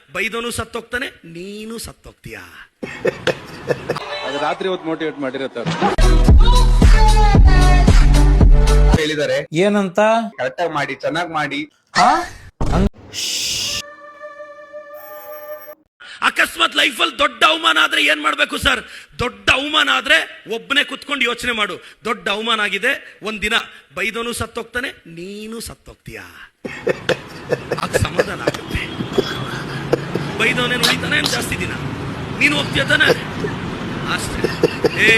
ಬೈದೋನು ಸತ್ತೋಗ್ತಾನೆ, ನೀನು ಸತ್ತೋಗ್ತೀಯಾ. ಅದು ರಾತ್ರಿ ಹೊತ್ತು ಮೋಟಿವೇಟ್ ಮಾಡಿರತ್ತ ಹೇಳಿದ್ದಾರೆ. ಏನಂತ? ಕರೆಕ್ಟಾಗಿ ಮಾಡಿ, ಚೆನ್ನಾಗಿ ಮಾಡಿ. ಅಕಸ್ಮಾತ್ ಲೈಫಲ್ಲಿ ದೊಡ್ಡ ಅವಮಾನ ಆದ್ರೆ ಏನ್ ಮಾಡ್ಬೇಕು ಸರ್? ದೊಡ್ಡ ಅವಮಾನ ಆದ್ರೆ ಒಬ್ಬನೇ ಕುತ್ಕೊಂಡು ಯೋಚನೆ ಮಾಡು. ದೊಡ್ಡ ಅವಮಾನ ಆಗಿದೆ, ಒಂದಿನ ಬೈದೋನು ಸತ್ತೋಗ್ತಾನೆ, ನೀನು ಸತ್ತೋಗ್ತೀಯಾ. ಆಗ ಸಮಾಧಾನ ಆಗುತ್ತೆ. ಬೈದವನೇ ಉಳಿತಾನೆ ಜಾಸ್ತಿ ದಿನ, ನೀನು ಹೋಗ್ತೀಯ ತಾನೆ, ಅಷ್ಟೇ.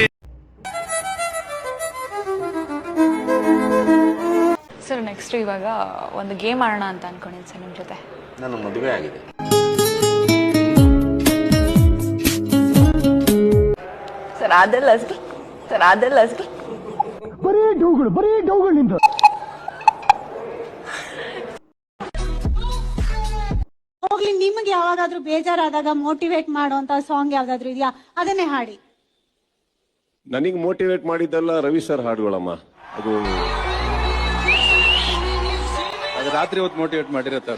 ಸರ್ ನೆಕ್ಸ್ಟ್ ಇವಾಗ ಒಂದು ಗೇಮ್ ಆಡೋಣ ಅಂತ ಅನ್ಕೊಂಡಿದ್ದೀನಿ ಸರ್ ನಿಮ್ಮ ಜೊತೆ. ನನ್ನ ಮದುವೆ ಆಗಿದೆ. ಸರ್ ಅದೆಲ್ಲ ಸರ್ ಬರೀ ಡೌಗಳು ನಿಂದು. ಹೋಗ್ಲಿ, ನಿಮ್ಗೆ ಯಾವಾಗಾದ್ರೂ ಬೇಜಾರಾದಾಗ ಮೋಟಿವೇಟ್ ಮಾಡುವಂತ ಸಾಂಗ್ ಯಾವ್ದಾದ್ರು ಇದೆಯಾ? ಅದನ್ನೇ ಹಾಡಿ. ನನಗೆ ಮೋಟಿವೇಟ್ ಮಾಡಿದ್ದೆಲ್ಲ ರವಿ ಸರ್ ಹಾಡುಗಳಮ್ಮ. ಅದು ರಾತ್ರಿ ಹೊತ್ತು ಮೋಟಿವೇಟ್ ಮಾಡಿರತ್ತ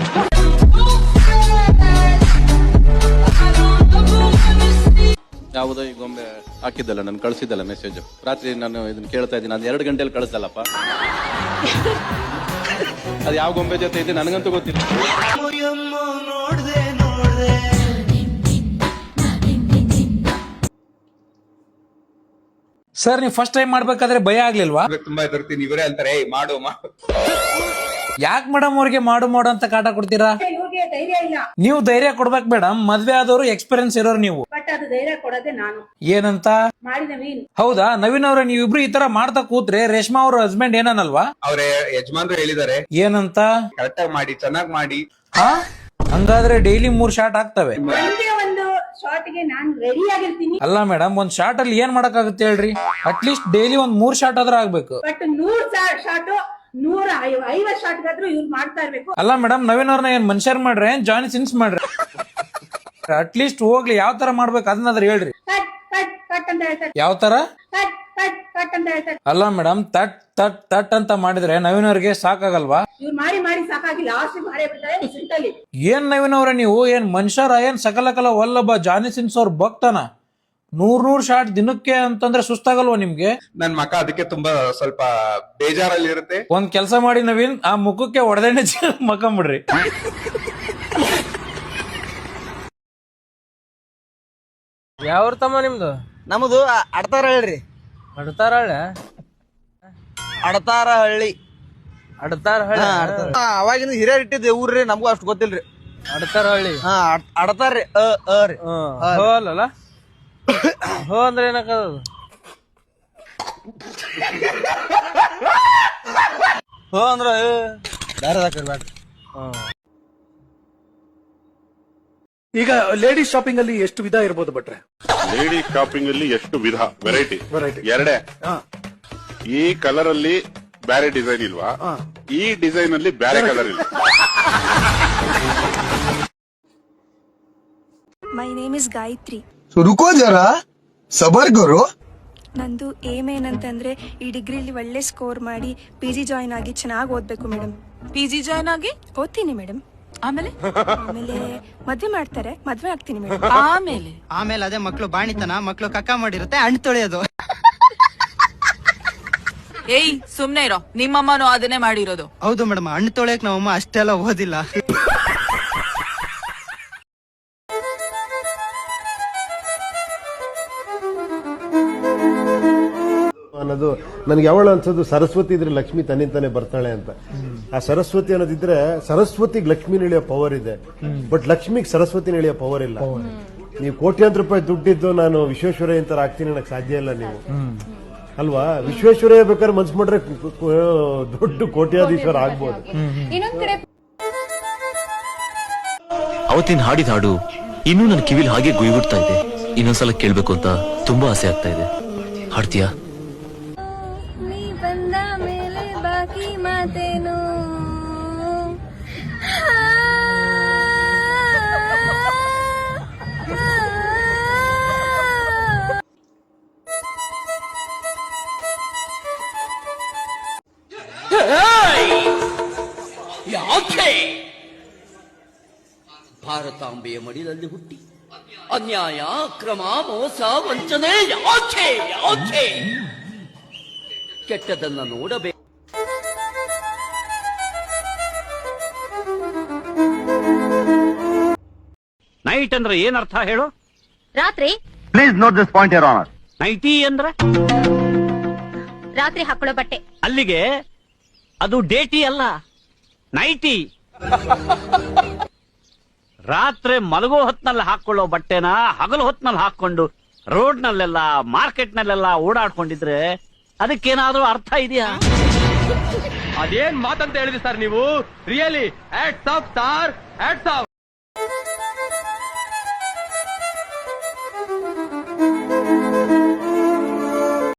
ಯಾವುದೋ ಈ ಗೊಂಬೆ ಹಾಕಿದ್ದಲ್ಲ, ನಾನು ಕಳಿಸಿದ್ದಲ್ಲ ಮೆಸೇಜ್. ರಾತ್ರಿ ನಾನು ಇದನ್ನ ಕೇಳ್ತಾ ಇದ್ದೀನಿ, ನಾನು 2 ಗಂಟೆಯಲ್ಲಿ ಕಳಿಸಲ್ಲಪ್ಪ. ಅದು ಯಾವ ಗೊಂಬೆ ಜೊತೆ ಇದೆ ನನಗಂತೂ ಗೊತ್ತಿಲ್ಲ. ಸರ್ ನೀವು ಫಸ್ಟ್ ಟೈಮ್ ಮಾಡ್ಬೇಕಾದ್ರೆ ಭಯ ಆಗ್ಲಿಲ್ವಾ? ತುಂಬಾ ಹೆದರ್ತೀನಿ. ಇವರೇ ಅಂತಾರೆ ಮಾಡು ಮಾಡು. ಯಾಕೆ ಮೇಡಮ್ ಅವ್ರಿಗೆ ಮಾಡು ಅಂತ ಕಾಟ ಕೊಡ್ತೀರಾ? ನೀವು ಧೈರ್ಯ ಕೊಡ್ಬೇಕು ಮೇಡಮ್. ಮದ್ವೆ ಆದವರು ಎಕ್ಸ್ಪೀರಿಯನ್ಸ್ ಇರೋರು ನೀವು. ಏನಂತ? ಹೌದಾ ನವೀನ್ ಅವ್ರೆ, ನೀವಿಬ್ರು ಈ ತರ ಮಾಡ್ತಾ ಕೂತ್ರೆ ರೇಷ್ಮಾ ಅವ್ರ ಹಸ್ಬೆಂಡ್ ಏನನ್ನಲ್ವಾ? ಅವ್ರೆ ಯಜಮಾನ್ರು ಹೇಳಿದ್ದಾರೆ. ಏನಂತ? ಕರೆಕ್ಟಾಗಿ ಮಾಡಿ, ಚೆನ್ನಾಗಿ ಮಾಡಿ. ಹಂಗಾದ್ರೆ ಡೈಲಿ 3 ಶಾಟ್ ಆಗ್ತವೆ. ಅಲ್ಲ ಮೇಡಮ್, ಒಂದ್ ಶಾಟ್ ಅಲ್ಲಿ ಏನ್ ಮಾಡಕ್ಕಾಗುತ್ತೆ ಹೇಳ್ರಿ? ಅಟ್ಲೀಸ್ಟ್ ಡೈಲಿ 3 ಶಾಟ್ ಆದ್ರೂ ಆಗ್ಬೇಕು. ಅಲ್ಲ ಮೇಡಮ್, ನವೀನ್ ಅವ್ರನ್ನ ಏನ್ ಮನುಷ್ಯರ್ ಮಾಡ್ರೆ, ಏನ್ ಜಾನಿ ಸಿನ್ಸ್ ಮಾಡ್ರೆ? ಅಟ್ಲೀಸ್ಟ್ ಹೋಗ್ಲಿ, ಯಾವ ತರ ಮಾಡ್ಬೇಕು ಅದನ್ನಾದ್ರೂ ಹೇಳ್ರಿ. ಯಾವ ತರ? ಅಲ್ಲ ಮೇಡಮ್, ತಟ್ ತಟ್ ತಟ್ ಅಂತ ಮಾಡಿದ್ರೆ ನವೀನ್ ಅವ್ರಿಗೆ ಸಾಕಾಗಲ್ವಾ? ಏನ್ ನವೀನ್ ಅವ್ರೆ, ನೀವು ಏನ್ ಮನುಷ್ಯರ? ಏನ್ ಸಕಲಕಲ ವಲ್ಲಭ ಜಾನಿ ಸಿನ್ಸ್ ಅವ್ರ ಭಕ್ತನ? 100 ಶಾಟ್ ದಿನಕ್ಕೆ ಅಂತಂದ್ರೆ ಸುಸ್ತಾಗಲ್ವಾ ನಿಮ್ಗೆ? ನನ್ ಮಕ್ಕ ಅದಕ್ಕೆ ತುಂಬಾ ಸ್ವಲ್ಪ ಬೇಜಾರಲ್ಲಿ ಇರುತ್ತೆ. ಒಂದ್ ಕೆಲಸ ಮಾಡಿ ನವೀನ್, ಆ ಮುಖಕ್ಕೆ ಹೊಡೆದೇನೆ ಮಕ್ಕಂಬಿಡ್ರಿ. ಯಾವ ತಮ್ಮ ನಿಮ್ದು? ನಮ್ದು ಅಡ್ತಾರ ಹೇಳ್ರಿ. ಅಡ್ತಾರಹಳ್ಳಿ. ಅವಾಗಿನ ಹಿರಿಯರ್ ಇಟ್ಟಿದ್ದೆ ಊರ್ರಿ, ನಮಗೂ ಅಷ್ಟು ಗೊತ್ತಿಲ್ರಿ. ಅಡ್ತಾರಹಳ್ಳಿ. ಅಡ್ತಾರ್ರಿ. ಅಲ್ಲ ಹೋ ಅಂದ್ರೆ ಏನಾಕದು? ಹೋ ಅಂದ್ರ ಬೇರೆ. ಈಗ ಲೇಡೀಸ್ ಶಾಪಿಂಗ್ ಅಲ್ಲಿ ಎಷ್ಟು ವಿಧ ಇರ್ಬೋದು ಭಟ್ರೆ? ಲೇಡೀಸ್ ಶಾಪಿಂಗ್ ಅಲ್ಲಿ ಎಷ್ಟು ವಿಧ, ವೆರೈಟಿ? ಎರಡೇ. ಈ ಕಲರ್ ಅಲ್ಲಿ ಬೇರೆ ಡಿಸೈನ್ ಇಲ್ವಾ? ಈ ಡಿಸೈನ್ ಅಲ್ಲಿ ಬೇರೆ ಕಲರ್ ಇಲ್ಲ. My name is Gayatri. ರುಕೋ ಜರಾ, ಸಬರ್ ಕರೋ. ನಂದು ಏಮ್ ಏನಂತಂದ್ರೆ ಈ ಡಿಗ್ರಿಲಿ ಒಳ್ಳೆ ಸ್ಕೋರ್ ಮಾಡಿ PG ಜಾಯಿನ್ ಆಗಿ ಚೆನ್ನಾಗಿ ಓದ್ಬೇಕು ಮೇಡಮ್. PG ಜಾಯಿನ್ ಆಗಿ ಓದ್ತೀನಿ ಮೇಡಮ್. ಆಮೇಲೆ ಮದ್ವೆ ಮಾಡ್ತಾರೆ, ಮದ್ವೆ ಆಗ್ತೀನಿ ಮೇಡಮ್. ಆಮೇಲೆ ಅದೇ ಮಕ್ಳು ಬಾಣಿತನ, ಮಕ್ಳು ಕಕ್ಕ ಮಾಡಿರುತ್ತೆ, ಹಣ್ಣು ತೊಳೆಯೋದು. ಏಯ್ ಸುಮ್ನೆ ಇರೋ, ನಿಮ್ಮಮ್ಮನೂ ಅದನ್ನೇ ಮಾಡಿರೋದು. ಹೌದು ಮೇಡಮ್, ಹಣ್ಣು ತೊಳೆಯಕ್ ನಮ್ಮಮ್ಮ ಅಷ್ಟೆಲ್ಲ ಓದಿಲ್ಲ. ಅನ್ನೋದು ನನಗೆ ಯಾವಳ ಅನ್ಸೋದು, ಸರಸ್ವತಿ ಇದ್ರೆ ಲಕ್ಷ್ಮಿ ತನ್ನಿಂತಾನೆ ಬರ್ತಾಳೆ ಅಂತ. ಆ ಸರಸ್ವತಿ ಅನ್ನೋದಿದ್ರೆ ಸರಸ್ವತಿಗೆ ಲಕ್ಷ್ಮಿ ಇಳಿಯೋ ಪವರ್ ಇದೆ, ಬಟ್ ಲಕ್ಷ್ಮಿಗೆ ಸರಸ್ವತಿ ಇಳಿಯೋ ಪವರ್ ಇಲ್ಲ. ನೀವು ಕೋಟ್ಯಾಂತರ ರೂಪಾಯಿ ದುಡ್ಡಿದ್ದು ನಾನು ವಿಶ್ವೇಶ್ವರಯ್ಯ ಅಂತ ಆಗ್ತೀನಿ ಅನ್ನಕ್ ಸಾಧ್ಯ ಇಲ್ಲ ನೀವು, ಅಲ್ವಾ? ವಿಶ್ವೇಶ್ವರಯ್ಯ ಬೇಕಾದ್ರೆ ಮನ್ಸು ಮಾಡ್ರೆ ದೊಡ್ಡ ಕೋಟ್ಯಾಧೀಶ್ವರ ಆಗ್ಬೋದು. ಅವತ್ತಿನ ಹಾಡಿದ ಹಾಡು ಇನ್ನೂ ನನ್ನ ಕಿವಿಲ್ ಹಾಗೆ ಗುಯ್ಬಿಡ್ತಾ ಇದೆ. ಇನ್ನೊಂದ್ಸಲ ಕೇಳ್ಬೇಕು ಅಂತ ತುಂಬಾ ಆಸೆ ಆಗ್ತಾ ಇದೆ. ಹಾಡ್ತೀಯಾ? ನೀ ಬಂದ ಮೇಲೆ ಬಾಕಿ ಮಾತೇನು, ಭಾರತಾಂಬ ಜಗದಾಂಬೆಯ ಮಡಿಲಲ್ಲಿ ಹುಟ್ಟಿ ಅನ್ಯಾಯ ಅಕ್ರಮ ಮೋಸ ವಂಚನೆ ಯಾಕೆ ಯಾಕೆ ಕೆಟ್ಟದನ್ನ ನೋಡಬೇಕು. ನೈಟ್ ಅಂದ್ರೆ ಏನ್ ಅರ್ಥ ಹೇಳು? ರಾತ್ರಿ please note this point your honour. Nightie ಅಂದ್ರೆ ರಾತ್ರಿ ಹಾಕೊಳ್ಳೋ ಬಟ್ಟೆ. ಅಲ್ಲಿಗೆ ಅದು ಡೇಟಿ ಅಲ್ಲ, ನೈಟಿ. ರಾತ್ರಿ ಮಲಗೋ ಹೊತ್ನಲ್ಲಿ ಹಾಕೊಳ್ಳೋ ಬಟ್ಟೆನ ಹಗಲು ಹೊತ್ನಲ್ಲಿ ಹಾಕೊಂಡು ರೋಡ್ನಲ್ಲೆಲ್ಲ ಮಾರ್ಕೆಟ್ನಲ್ಲೆಲ್ಲ ಓಡಾಡ್ಕೊಂಡಿದ್ರೆ ಅದಕ್ಕೇನಾದ್ರೂ ಅರ್ಥ ಇದೆಯಾ? ಅದೇನ್ ಮಾತಂತ ಹೇಳಿದ್ರಿ ಸರ್ ನೀವು? Really hats off star, hats of.